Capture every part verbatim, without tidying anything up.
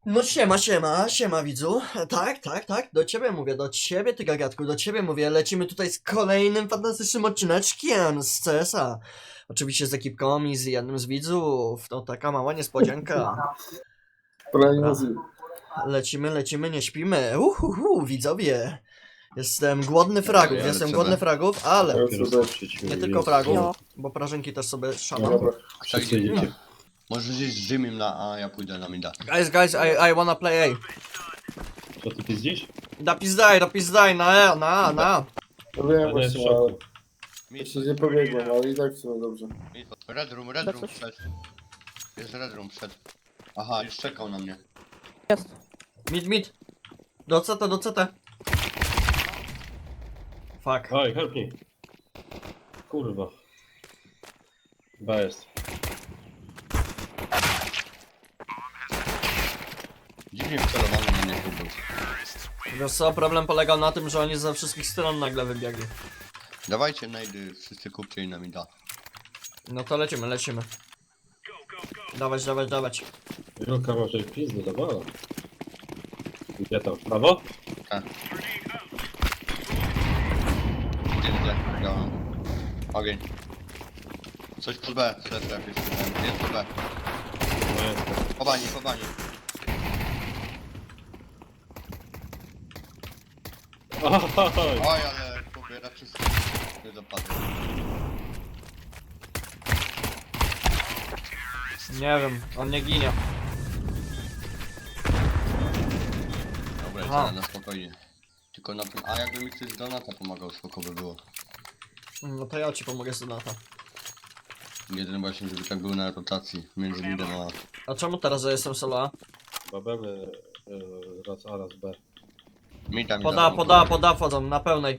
No siema, siema, siema widzu. Tak, tak, tak, do ciebie mówię, do ciebie ty gagatku, do ciebie mówię. Lecimy tutaj z kolejnym fantastycznym odcineczkiem z C S a. Oczywiście z ekipką i z jednym z widzów. No taka mała niespodzianka. Dobra. Lecimy, lecimy, nie śpimy. Uhuhu, widzowie. Jestem głodny fragów, Ja jestem lecę głodny B. fragów, ale nie tylko fragów, No. bo prażynki też sobie szamam. Dobra. Wszyscy idziecie. Może gdzieś z Jimmy na A, ja pójdę na mida. Guys, guys, I, I wanna play A. Co ty pizdzisz? Da pizdaj, da pizdaj, na E, na A, na A. No wiem Ja nie właśnie, w ale szoku. Mid, jeszcze nie pobiegłem, ale i tak w sumie dobrze. mid. Red room, red room przed. Jest red room przed. Aha, już czekał na mnie. Jest. Mid, mid. Do C T, do C T. Fuck. Oj, help me. Kurwa. B jest. Dziwnie wcelowany na mnie chłopak. Wiesz co, problem polegał na tym, że oni ze wszystkich stron nagle wybiegli. Dawajcie najdy, wszyscy kupcie i na mida. No to lecimy, lecimy. Dawać, dawać, dawać. Wielka może pizdy dawała. Gdzie tam? W prawo? Tak. Gdzie, gdzie? Działam. Ogień. Coś pod B, stref jakieś. Jest pod B. No jest. Po bani, po bani. Oj, Oj, ale pobiera wszystko. Nie dopadło. Nie wiem, on nie ginie. Dobra, Aha. idziemy na spokojnie. Tylko na tym, a jakby mi ktoś z Donata pomagał, spoko by było. No to ja ci pomogę z Donata. Jeden właśnie, żeby tak był na rotacji między midem a... A czemu teraz, że jestem solo A? babemy y, raz A, raz B. Mida, mida. Poda, poda, poda wchodzą, na pełnej.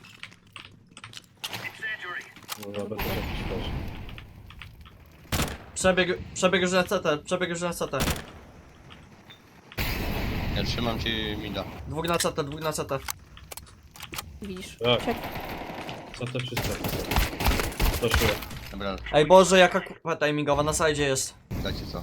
Może B to jakiś też. Przebieg, przebieg już na C T, przebieg już na C T. Ja trzymam ci mida. Dwóch na C T, dwóch na C T. Widzisz? Tak. Czek. Co to wszystko? To się. Dobra, Ej Boże, jaka kurwa timingowa, na sajdzie jest. dajcie co.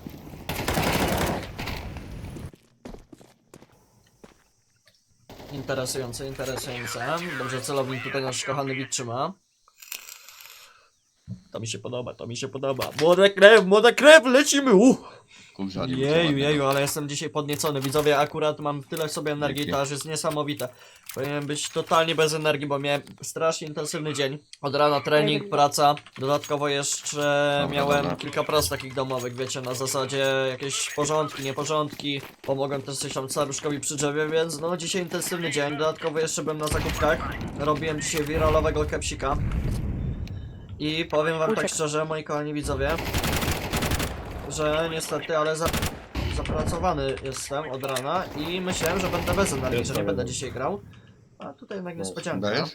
Interesujące, interesujące. Dobrze, celownik tutaj nasz kochany widz trzyma. To mi się podoba, to mi się podoba. Młoda krew, młoda krew, lecimy! Uh! Kurza, nie Jeju, jeju, ale jestem dzisiaj podniecony. Widzowie, akurat mam tyle w sobie energii, to aż jest niesamowite. Powinienem być totalnie bez energii, bo miałem strasznie intensywny dzień. Od rana trening, praca. Dodatkowo jeszcze Dobra, miałem dobra. kilka prac takich domowych, wiecie, na zasadzie jakieś porządki, nieporządki. Pomogłem też coś tam staruszkowi przy drzewie, więc no dzisiaj intensywny dzień. Dodatkowo jeszcze byłem na zakupkach. Robiłem dzisiaj wiralowego kepsika. I powiem wam tak szczerze, moi kochani widzowie, że niestety, ale za, zapracowany jestem od rana i myślałem, że będę bez energii, Jest że nie tak, będę no. dzisiaj grał. A tutaj jednak No, niespodzianka. Dajesz?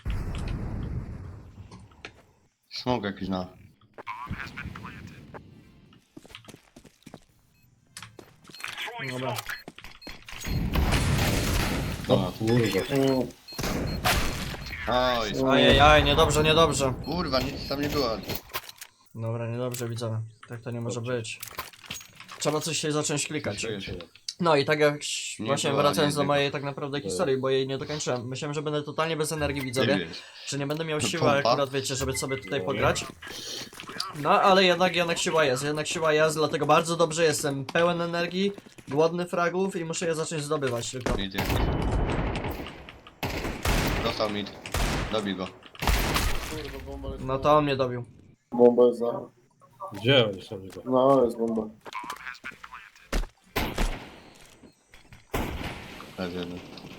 Smog jakiś na... Dobra. O kurwa. Mm, Oj, Ajajaj, niedobrze, niedobrze. kurwa, nic tam nie było. Dobra, niedobrze widzowie. Tak to nie może być. Trzeba coś się zacząć klikać. Czuję się. No i tak jak Nie właśnie było, wracając nie do było. mojej tak naprawdę historii, bo jej nie dokończyłem. Myślałem, że będę totalnie bez energii widzowie. Nie wiesz. Że nie będę miał To siły pompa? akurat, wiecie, żeby sobie tutaj No. pograć. No, ale jednak, jednak siła jest, jednak siła jest, dlatego bardzo dobrze jestem pełen energii, głodny fragów i muszę je zacząć zdobywać tylko. Mid jest. Dostał mid. Dobij go. kurwa, bomba jest. No to on mnie dobił. Bomba jest na... Gdzie oni są niby? No, jest bomba. Raz jeden.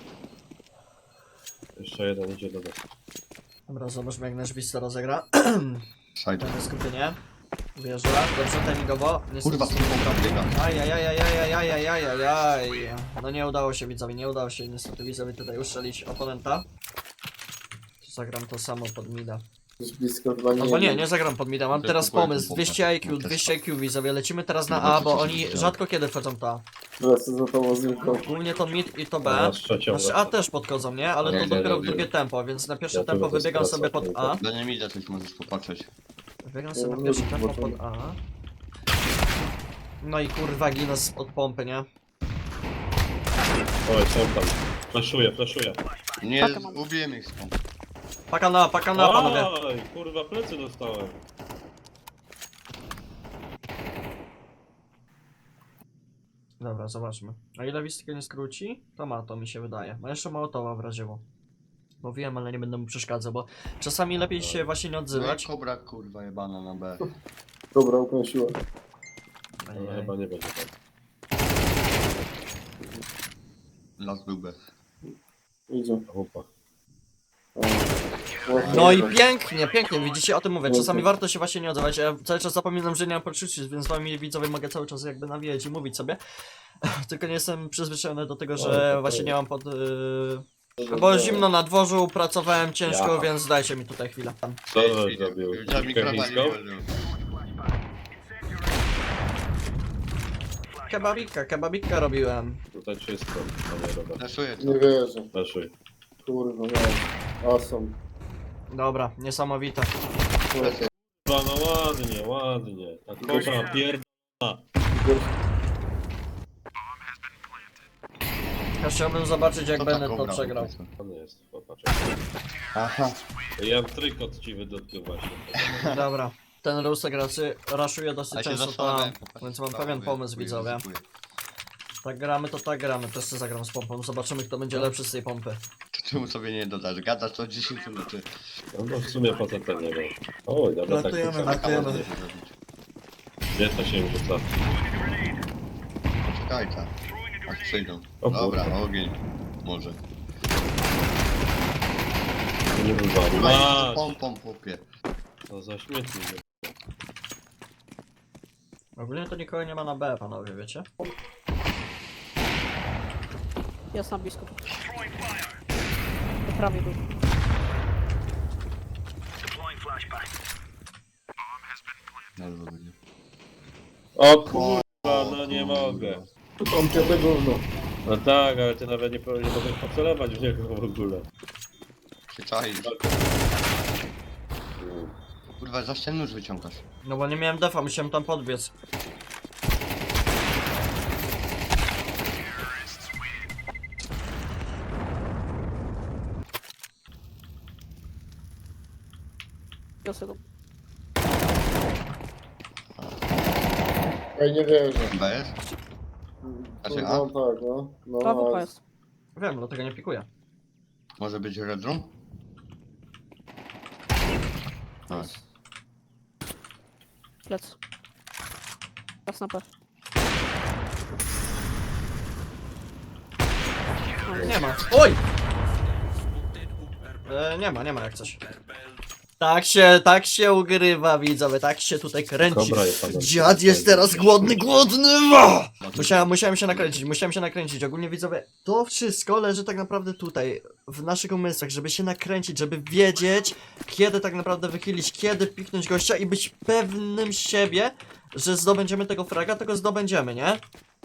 Jeszcze jeden idzie do B. Dobra, zobaczmy jak nasz widz to rozegra. Side. Takie skupienie. Wjeżdża, dobrze, timingowo. Niestety Kurwa, to bomba biega. Ajajajajajajajajajajaj. No nie udało się widzowi, nie udało się niestety widzowi tutaj uszczelić oponenta. Zagram to samo pod mida. Jest blisko chyba nie. Albo nie, nie zagram pod mida, mam To teraz kupuję pomysł, tą dwieście pompę. I Q, dwieście I Q widzowie, lecimy teraz na Dobra, A, bo to co oni się dzieje? rzadko kiedy wchodzą to A. Wracę za tobą z Imką. Głównie to mid i to B. Teraz trzecią Znaczy A też podchodzą, nie? Ale Nie, to nie, dopiero w nie, drugie nie. tempo, więc na pierwsze Ja tu tempo będę wybiegam sobie skracał, pod A. Dla nie mida coś możesz popatrzeć. Wybiegam sobie Ja na nie pierwsze lubię tempo pod zobaczenia. A. No i kurwa ginę z- od pompy, nie? Oj, są tam. Flaszuję, flaszuję. Nie, Pakę mam. ubiłem ich skąd. Paka na, paka na, panowie. Oj, kurwa, plecy dostałem. Dobra, zobaczmy. A ile Wistka nie skróci? To ma, to mi się wydaje. Ma jeszcze Mołotowa w razie wo. Bo wiem, ale nie będę mu przeszkadzał, bo czasami lepiej się właśnie nie No i odzywać. kobra kurwa jebana na B. Dobra, ukręciłem. Ale Ajaj. chyba nie będzie tak. Las był B. Idzie. Opa. O. No i pięknie, pięknie, widzicie, o tym mówię. Czasami warto się właśnie nie odzywać. Ja cały czas zapominam, że nie mam poczucia, więc z wami widzowie mogę cały czas jakby nawijać i mówić sobie. Tylko nie jestem przyzwyczajony do tego, O, że to właśnie to- nie mam pod... Yy... Bo zimno na dworzu, pracowałem ciężko, Ja. więc dajcie mi tutaj chwilę. Co żeś Widział zrobił? mikrofon nie Chińską? włożył. Kebabika, kebabika robiłem. Tutaj czysto, panie Robert. Naszuję Nie wierzę. Flaszuj. Kurwa, nie. Awesome. Dobra, niesamowite. Lecę. Kurwa, no ładnie, ładnie. Ta kobra pierd... Ja chciałbym zobaczyć, jak Co ta Bennett to kobra przegrał. po prostu? On jest, popatrz. Aha. Ja trykot ci wydotknął właśnie. Dobra, ten rusek raczej raszuje dosyć A się często tam, zastanawiałem, więc mam tak, pewien mówię, pomysł, mówię, widzowie. ryzykuję. Tak gramy, to tak gramy, też sobie zagram z pompą, zobaczymy kto będzie lepszy z tej pompy. To czemu sobie nie dodasz? Gadasz to dziesięć minut. No to w sumie poza tym nie wiem. Oj, dobra, tak. Ratujemy, tak, ratujemy. Można się zrobić. Gdzie to się rzuca? Poczekaj tam. Aż przyjdą. O Dobra, kurwa. ogień. Może. Kurwa, Kurwa, masz! idź pompą chłopie. To za śmietnik. Ogólnie to nikogo nie ma na B, panowie, wiecie? Jest na blisko. Po prawej był. Dobrze będzie. O kurwa, no nie mogę. Tam piąte gówno. No tak, ale ty nawet nie, po- nie mogłeś pocelować w niego w ogóle. Się czaisz. Kurwa, za ten nóż wyciągasz. No bo nie miałem defa, musiałem tam podbiec. Wiosę go. Ej, nie wierzę. B jest? Znaczy Kurwa, A? tak, no. No, A wupa a- jest. Wiem, dlatego nie pikuję. Może być Red Room? Tak. Plec. Raz na P. Nie ma. Oj! E, nie ma, nie ma jak coś. Tak się, tak się ugrywa, widzowie, tak się tutaj kręci. Dobra, jest pan- Dziad jest teraz głodny, głodny! Wa! Musiałem, musiałem się nakręcić, musiałem się nakręcić. Ogólnie widzowie, to wszystko leży tak naprawdę tutaj, w naszych umysłach, żeby się nakręcić, żeby wiedzieć, kiedy tak naprawdę wychylić, kiedy piknąć gościa i być pewnym siebie, że zdobędziemy tego fraga, tego zdobędziemy, nie?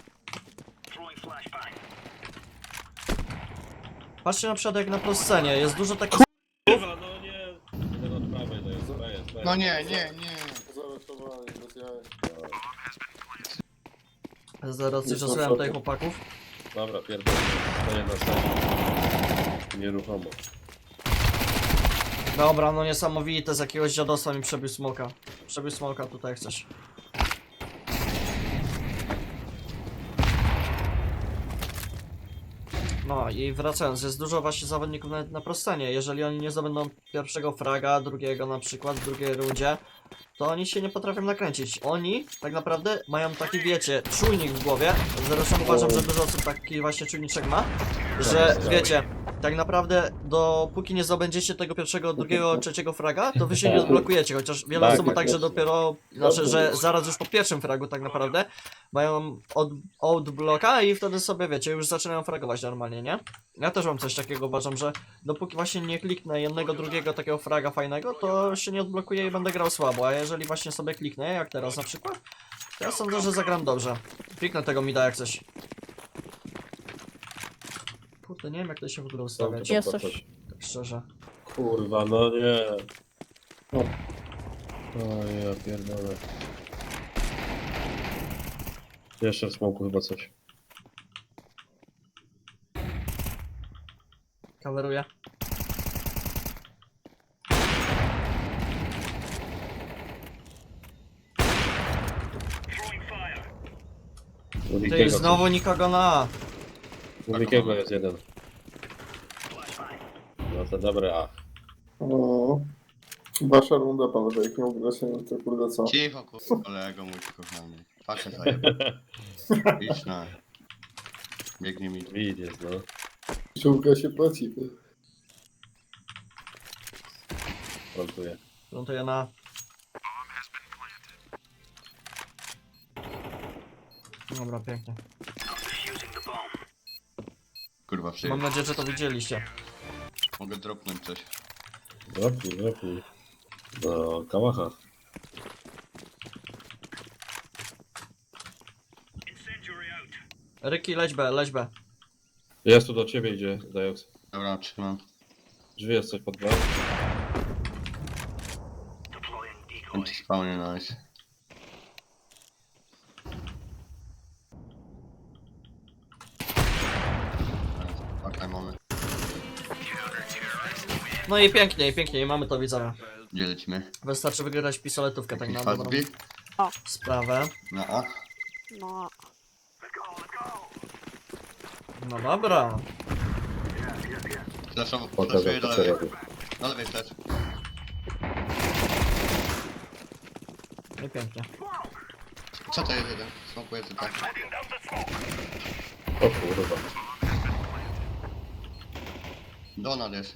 Patrzcie na przykład jak na proscenie, jest dużo takich... Kurwa, no nie. Ten od prawej to jest, to jest, to jest. No nie, nie, nie. Zaratowany, bez jaj. Zaraz coś rozsyłam tutaj chłopaków. Dobra, pierdolę. Stoję na sali. Nieruchomo. Dobra, no niesamowite, z jakiegoś dziadostwa mi przebił smoka. Przebił smoka tutaj jak coś. No i wracając, jest dużo właśnie zawodników nawet na prostanie. Jeżeli oni nie zdobędą pierwszego fraga, drugiego na przykład w drugiej rundzie, to oni się nie potrafią nakręcić. Oni tak naprawdę mają taki, wiecie, czujnik w głowie. Zresztą uważam, że dużo osób taki właśnie czujniczek ma, że wiecie, tak naprawdę dopóki nie zdobędziecie tego pierwszego, drugiego, trzeciego fraga, to wy się nie odblokujecie, chociaż wiele Tak, osób ma tak, że jasne. dopiero, znaczy, że zaraz już po pierwszym fragu tak naprawdę mają od, outblocka i wtedy sobie, wiecie, już zaczynają fragować normalnie, nie? Ja też mam coś takiego, uważam, że dopóki właśnie nie kliknę jednego, drugiego takiego fraga fajnego, to się nie odblokuję i będę grał słabo, a jeżeli właśnie sobie kliknę, jak teraz na przykład, to ja sądzę, że zagram dobrze. Kliknę tego mida jak coś. Kurde, nie wiem jak to się w ogóle ustawiać, Jest coś. tak szczerze. Kurwa, no nie. No. O ja pierdolę. Jeszcze w smoku chyba coś. Kameruję. Ty, znowu nikogo na A. U Wikiego jest jeden. No to dobre A. No. Wasza runda, panowie, jak nie ugrać, to kurde co? Cicho, kurwa, kolego mój kochany. Patrzę zajebę. Idź na. Biegnie mi. Mid jest, no. Czułka się płaci. ty. Plantuję. Plantuję na A. Dobra, pięknie. Kurwa, przyjdzie. Mam nadzieję, że to widzieliście. Mogę dropnąć coś. Dropnij, dropnij. No, kałacha. Ryki, leć B, leć B. Jest tu do ciebie idzie, Dajox. Dobra, trzymam. Drzwi jest coś pod dwa. Anti-spawnie, nice. Okej, mamy. No i pięknie, i pięknie, i mamy to widzenia. Gdzie lecimy? Wystarczy wygrać pistoletówkę tak na Jakiś dobrą fast sprawę. Na A? No, No dobra. Flashowo, Pokażę, flashuję do co lewej. robię. Do lewej flash. No i pięknie. Co to jest jeden? Smokuję tylko. O kurwa. Donald jest.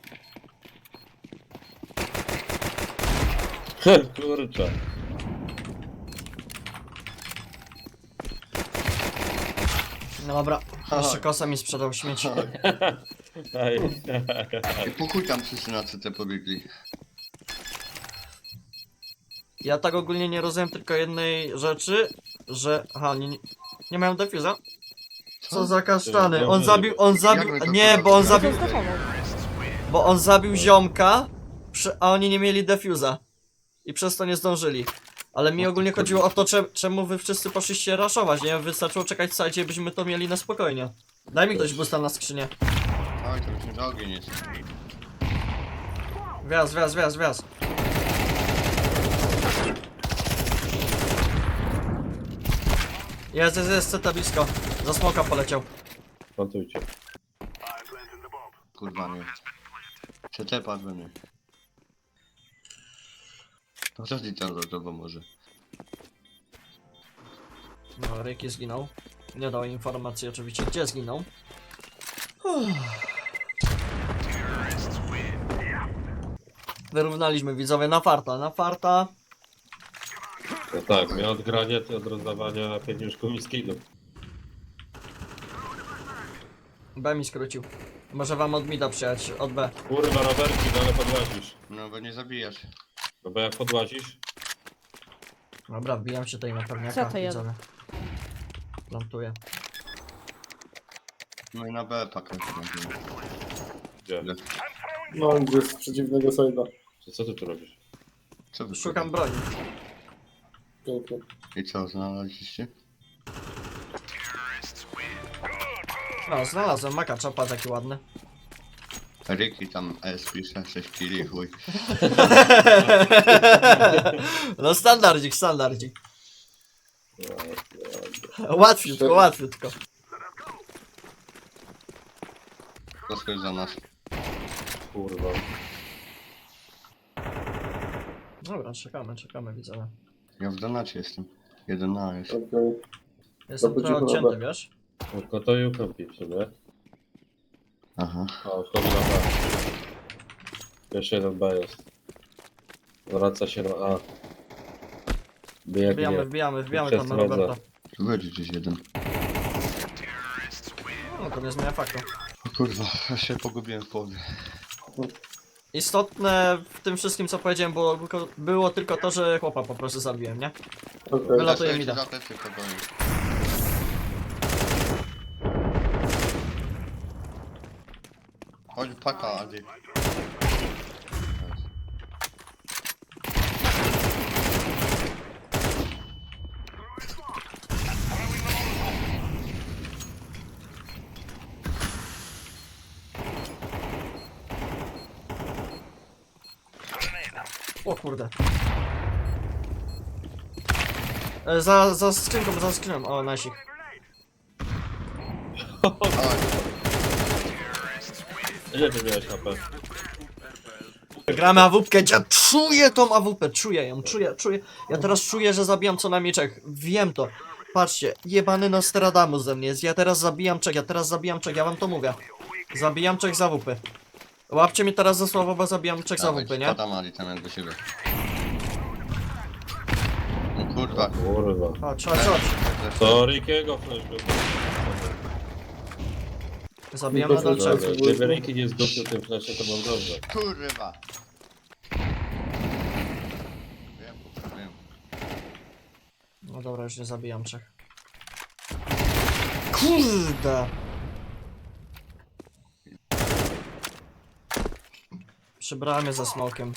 Kurczę. No dobra. Aha. Jeszcze kosa mi sprzedał śmieci. Aj. I pokój tam wszyscy na C T pobiegli. Ja tak ogólnie nie rozumiem tylko jednej rzeczy, że... Aha, nie, nie, nie mają defuza? Co za kasztany? On zabił, on zabił... Jak my to Nie, kurwa bo on to zabił... zdefował. Bo on zabił ziomka, przy, a oni nie mieli defuza. I przez to nie zdążyli. Ale mi ogólnie chodziło o to, cze, czemu wy wszyscy poszliście raszować, nie? Wystarczyło czekać w sajcie, byśmy to mieli na spokojnie. Daj mi ktoś boosta na skrzynię. Oj, to myślę, że ogień jest. Wjazd, wjazd, wjazd, wjazd. Jest, jest, jest, ceta blisko. Za smoka poleciał. Plantujcie. Kurwa nie. C T padł we mnie. No co ty tam za tobą może? No, Ricky zginął. Nie dał informacji oczywiście, gdzie zginął. Uff. Wyrównaliśmy widzowie na farta, na farta. No tak, miał odgranie od rozdawania pieniążków i skillów. B mi skrócił. Może wam od mida przyjechać, od B. Kurwa, Roberci, no ale podłazisz. No bo nie zabijasz. No bo jak podłazisz, Dobra, wbijam się tutaj na pewniaka, Co to jest? widzowie. Plantuję. No i na B pakę. gdzie? No, gdzie z przeciwnego side'a. Co, co ty tu robisz? Co wy Szukam kurwa? broni. Pięknie. I co, znaleźliście? No, znalazłem maka czapa taki ładny. Ricky tam S pisze, sześć kili, chuj. No standardzik, standardzik. No, Łatwiutko, łatwiutko. To skoro za nas. kurwa. Dobra, czekamy, czekamy widzowie. Ja w donacie jestem. jeden na jest. Okej. Jestem Dobra, trochę dziękuję. odcięty, wiesz? Tylko to i ukąpi w sumie. Aha. A, wchodzi na B. Jeszcze jeden B jest. Wraca się na A. Biegnie. Wbijamy, wbijamy, wbijamy Przez tam na drodze. Roberta. Tu będzie gdzieś jeden. No to nie zmienia faktu. O kurwa, ja się pogubiłem w połowie. Istotne w tym wszystkim co powiedziałem było, tylko- było tylko to, że chłopa po prostu zabiłem, nie? Okej. Wylatuje Ja mi się da. za plecy pogoję. Chodź paka, Adi. O kurde. E, za, za skrzynką, za skrzynką. O, nasik. Ile ty miałeś H P? Gramy awupkę, ja czuję tą awupę, czuję ją, czuję, czuję. Ja teraz czuję, że zabijam co najmniej trzech. Wiem to. Patrzcie, jebany Nostradamus ze mnie jest. Ja teraz zabijam trzech, ja teraz zabijam trzech, ja wam to mówię. Zabijam trzech z awupy. Łapcie mnie teraz za słowo, bo zabijam trzech z awupy, nie? Spada Mali tam jak do siebie. No kurwa. Kurwa. Chodź, chodź, chodź. To Rickiego flash był. Zabijam nadal trzech. Dobra, gdyby Ricky nie zdobył tym flashem, to mam dobrze. Kurwa. Wiem, kurwa, wiem. No dobra, już nie zabijam trzech. Kurde! Przybrałem je za smokiem.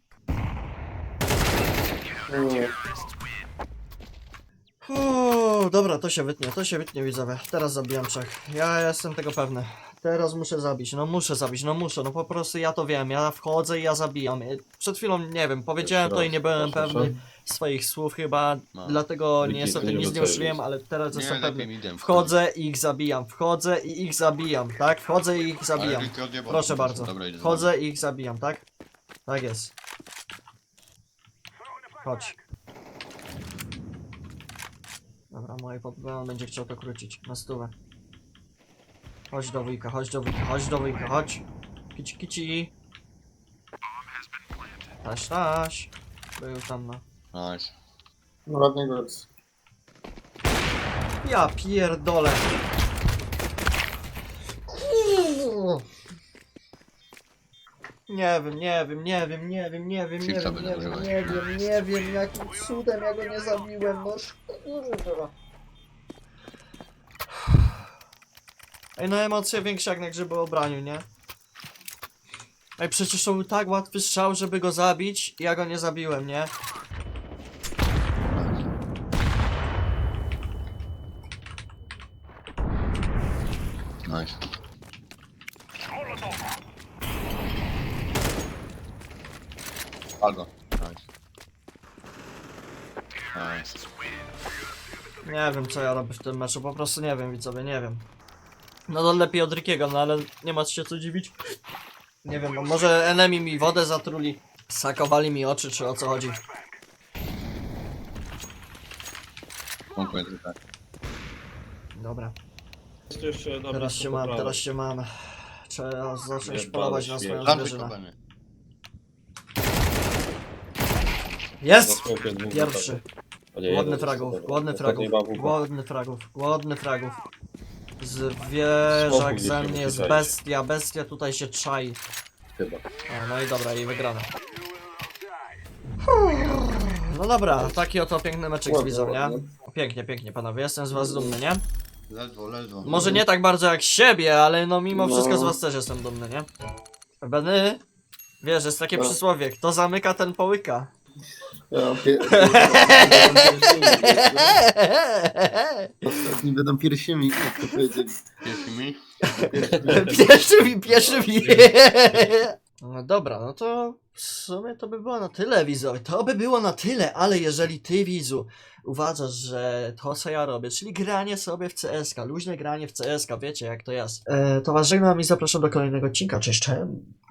Uuu, dobra, to się wytnie, to się wytnie, widzowie. Teraz zabijam trzech. Ja jestem tego pewny. Teraz muszę zabić, no muszę zabić, no muszę, no po prostu ja to wiem. Ja wchodzę i ja zabijam. Przed chwilą, nie wiem, powiedziałem to i nie byłem Proszę, pewny swoich słów chyba, No. dlatego Wiki, niestety to nie nic nie docenisz. uszliłem, ale teraz Nie, jestem lepiej pewny. mi idę. Wchodzę i ich zabijam, wchodzę i ich zabijam, tak? Wchodzę i ich Ale zabijam. Ricky odjebał. Proszę bardzo. Dobra, idę Wchodzę i ich zabijam, tak? Tak jest. Chodź. Dobra, mój podbron będzie chciał to krócić. Na stówę. Chodź do wujka, chodź do wujka, chodź do wujka, chodź. Kici, kici. Taś, taś. Był tam no. Nice. No ładnie go jest. Ja pierdolę. Nie wiem, nie wiem, nie wiem, nie wiem, nie wiem, nie Filtra wiem, nie będę wiem, używać. nie wiem, nie wiem, jakim cudem ja go nie zabiłem, no kurwa. Ej, no emocje większe jak na grzyby o braniu, nie? Ej, przecież to był tak łatwy strzał, żeby go zabić i ja go nie zabiłem, nie? Nice. Algo. Nice. Nice. Nie wiem co ja robię w tym meczu, po prostu nie wiem widzowie, nie wiem. No to lepiej od Rickiego, no ale nie ma się co dziwić. Nie wiem, no może enemy mi wodę zatruli, sakowali mi oczy, czy o co chodzi. Dziękuję, tak. Dobra, Jest jeszcze jedna teraz blisko się po mam, prawej. teraz się mam. Trzeba zacząć Nie, polować ale na swoją śmierć. Plantuj drużynę. kopany. Za Jest! smokiem dwóch Pierwszy. gotowych. A nie, Głodny jeden fragów, jest głodny ostatni fragów, ma W P. głodny fragów, głodny fragów. Zwierzak Smoku ze gdzieś mnie się jest musi bestia, bestia tutaj się czai. Chyba. O, no i dobra, i wygrana. No dobra, taki oto piękny meczek z Ładnie, widzą, nie? ładnie. Pięknie, pięknie panowie, jestem z was dumny, nie? Ledwo, ledwo. Może nie tak bardzo jak z siebie, ale no mimo No. wszystko z was też jestem dumny, nie? Benny, wiesz, jest takie No. przysłowie, kto zamyka, ten połyka. Ja mam pie... Ostatni będą piersiami, jak to powiedzieli. Pierwszy mi? Pierwszymi, pierwszymi. No dobra, no to w sumie to by było na tyle, widzowie. To by było na tyle, ale jeżeli ty, widzu, uważasz, że to, co ja robię, czyli granie sobie w C S ka, luźne granie w C S ka, wiecie jak to jest, e, to was żegnam i zapraszam do kolejnego odcinka. Cześć, cześć.